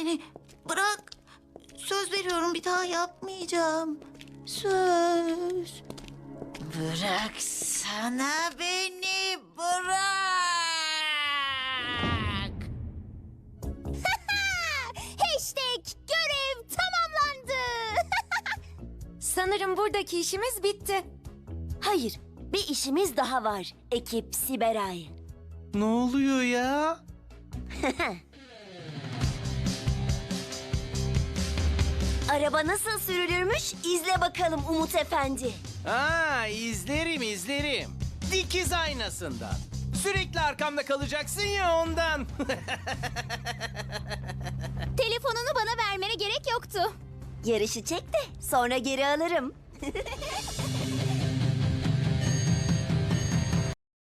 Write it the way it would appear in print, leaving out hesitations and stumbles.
beni. Bırak. Söz veriyorum bir daha yapmayacağım. Söz. Bıraksana beni. Bırak. Hashtag görev tamamlandı. Sanırım buradaki işimiz bitti. Hayır, bir işimiz daha var. Ekip Siberay. Ne oluyor ya? Araba nasıl sürülürmüş izle bakalım Umut Efendi. Aa, izlerim. Dikiz aynasından. Sürekli arkamda kalacaksın ya ondan. Telefonunu bana vermene gerek yoktu. Yarışı çek de sonra geri alırım.